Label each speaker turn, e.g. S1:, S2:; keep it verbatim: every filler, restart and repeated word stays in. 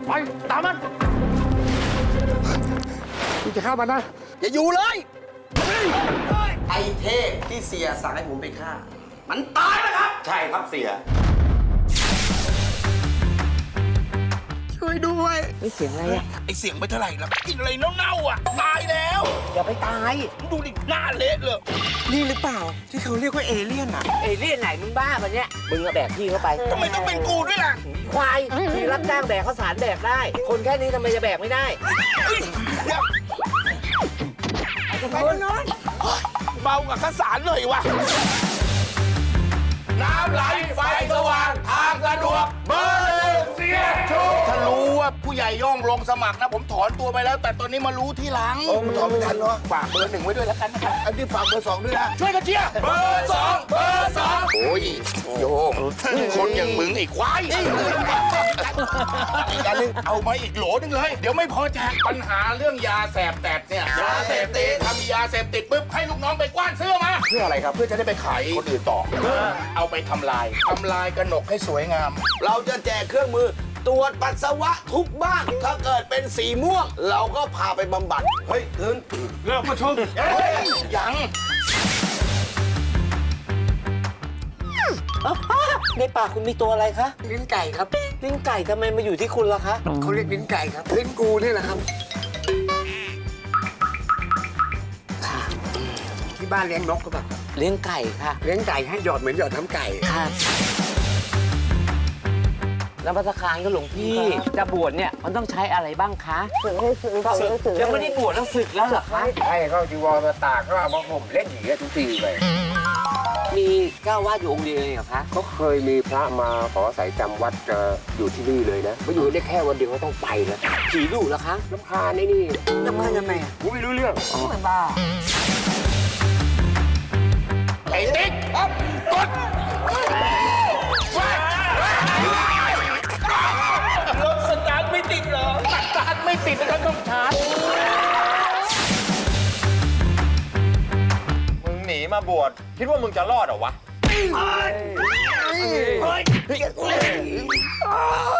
S1: ไปตามมันมึงจะฆ่ามันนะ
S2: อย่าอยู่เลยไอ้เทพที่เสียสั่งให้ผมไปฆ่ามันตายแล้วครับ
S3: ใช่ครับเสีย
S2: ช่วยด้วย
S4: ไม่เสียงอะไรอ่ะ
S2: ไอ้เสียงไม่เท่าไหร่แล้วกินอะไรเน่าๆอ่ะตายแล้ว
S4: อย่าไปตาย
S2: ดูดิหน้าเละเลย
S4: นี่หรือเปล่าที่เขาเรียกว่าเอเลี่ยนอ่ะเอเลี่ยนไหนมึงบ้าปะเนี่ยมึงอะแบกพี่เข้าไป
S2: ทำไมต้องเป็นกูด้วยล่ะ
S4: ควายพี่รับจ้างแบกข้าวสารแบกได้ คนแค่นี้ทำไมจะแบกไม่ได้
S2: เดี๋ยว
S4: ไปนอน
S2: เบากับข้าวสารหน่อยวะน้ำไหลไฟสว่างทางสะดวกเบอร์หนึ่งเสียชูถ้ารู้ว่าผู้ใหญ่ย่องลงสมัครนะผมถอนตัวไปแล้ว แต่ตอนนี้มารู้ที่หลังโอ้มันถอนไม่ทันเนาะฝากเบอร์หนึ่งไว้ด้วยแล้วกันนะครับอันนี้ฝากเบอร์สองด้วยนะช่วยกันเชียร์เบอร์สองเบอร์สองโอ้ยโยงคนอย่างมึงไอ้ควายอีกอันนึงเอามาอีกโหลนึงเลยเดี๋ยวไม่พอแจกปัญหาเรื่องยาแสบแตดเนี่ยยาเสพติดทำยาเสพติดปุ๊บให้ลูกน้องไปกว้านเสื้อมาเพื่ออะไรครับเพื่อจะได้ไปขายคนอื่นต่อเอาไปทำลายทำลายกระหนกให้สวยงาม เราจะแจกเครื่องมือตรวจปัสสาวะทุกบ้านถ้าเกิดเป็นสีม่วง เราก็พาไปบำบัดเฮ้ยคืนเริ่มประชุมเฮ้ยยัง
S4: ในปากคุณมีตัวอะไรคะ
S5: ลิ้นไก่ครับ
S4: ลิ้นไก่ทำไมมาอยู่ที่คุณล่ะคะ
S5: เขาเรียกลิ้นไก่ครับลิ้นกูนี่แหละครับที่บ้านเลี้ยงนกก็แบบ
S4: เลี้ยงไก่ค่ะ
S5: เลี้ยงไก่ให้หยอดเหมือนหยอดน้ำไก่
S4: ค่ะแล้วพัฒคารก็หลวงพี่จะบวชเนี่ยมันต้องใช้อะไรบ้างคะสึกให้สึกสึกยังไม่ได้บวชแล้วสึกแล้วเหรอคะ
S1: ให้เขาจีวรมาตากก็เอามาห่มเล่นอย่างเงี้ยทุกทีไป
S4: มีเจ้าวาดอยู่องค์เดียวเองเหรอคะ
S1: เขาเคยมีพระมาขออาศัยจำวัดจะอยู่ที่นี่เลยนะมาอยู่ได้แค่วันเดียวก็ต้องไปแล้ว
S4: ผีดุเหรอคะ
S1: น้ำพาในนี่
S5: น้ำมันยังไงอ่ะ
S1: กูไม่รู้เรื่อง
S5: ไม่บ้า
S2: ไอ้ติ๊กกดรถสตาร์ทไม่ติดเหรอสตาร์ทไม่ติดนะครับต้องชาร์จ
S3: มึงหนีมาบวชคิดว่ามึงจะรอดเหรอวะ
S2: เฮ้ย